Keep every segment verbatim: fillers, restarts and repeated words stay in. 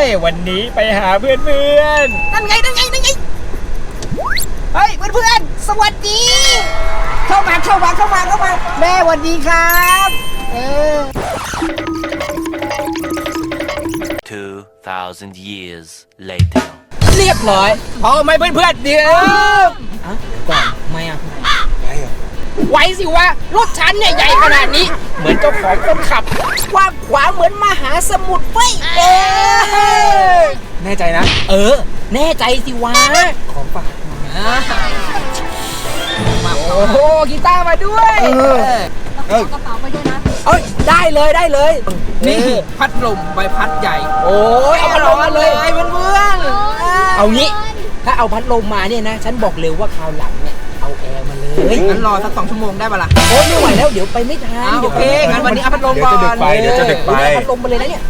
วันนี้ไปหาเพื่อนเพื่อนนั่นไงนั่นไงนั่นไงเฮ้ยเพื่อนเพื่อนสวัสดีเข้ามาเข้ามาเข้ามาเข้ามาแม่สวัสดีครับเออ two thousand years later เรียบร้อยพอไหมเพื่อนเพื่อนเดี๋ยวอ่ะก่อนไม่อ่ะไว้สิวะรถฉันเนี่ยใหญ่ขนาดนี้เหมือนเจ้าของคนขับกว้างขวางเหมือนมหาสมุทรเว้ยเออแน่ใจนะเออแน่ใจสิวะของฝากมาโอ้โหกีตาร์มาด้วยเออเออกระเป๋าไปด้วยนะเอ้ยได้เลยได้เลยนี่พัดลมใบพัดใหญ่โอ้ยเอาพัดลมมาเลยเพื่อนๆเอางี้ถ้าเอาพัดลมมาเนี่ยนะฉันบอกเร็วว่าคราวหลังเนี่ยเอาแอร์มาเลยงั้นรอสักสองชั่วโมงได้ปะล่ะโอ้ไม่ไหวแล้วเดี๋ยวไปไม่ทันโอเคงั้นวันนี้เอาพัดลมก่อนเดี๋ยวจะดึกไปเดี๋ยวจะดึกไปพัดลมมาเลยนะเนี่ย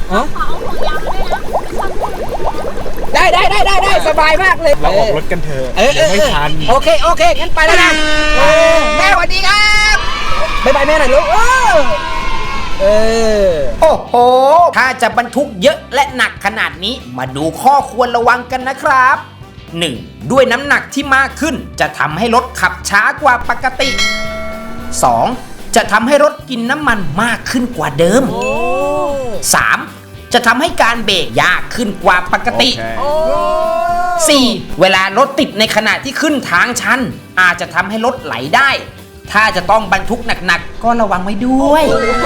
ได้ได้ได้ได้ได้สบายมากเลยเราออกรถกันเถอะเดี๋ยวไม่ทันโอเคโอเคงั้นไปแล้วนะแม่สวัสดีครับบ๊ายบายแม่หน่อยลูกเออโอ้โหถ้าจะบรรทุกเยอะและหนักขนาดนี้มาดูข้อควรระวังกันนะครับ หนึ่ง. ด้วยน้ำหนักที่มากขึ้นจะทำให้รถขับช้ากว่าปกติ สอง. จะทำให้รถกินน้ำมันมากขึ้นกว่าเดิม สาม. จะทำให้การเบรกยากขึ้นกว่าปกติ สี่. เวลารถติดในขณะที่ขึ้นทางชันอาจจะทำให้รถไหลได้ถ้าจะต้องบรรทุกหนักๆก็ระวังไว้ด้วย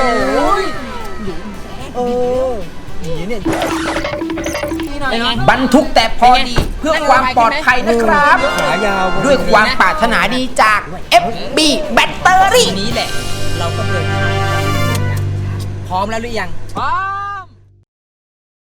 เออเนี่ยบรรทุกแต่พอดีเพื่อความปลอดภัยนะครับด้วยความปรารถนาดีจาก เอฟ บี แบตเตอรี่นี้แหละเราก็เดินทางพร้อมแล้วหรือยังพร้อม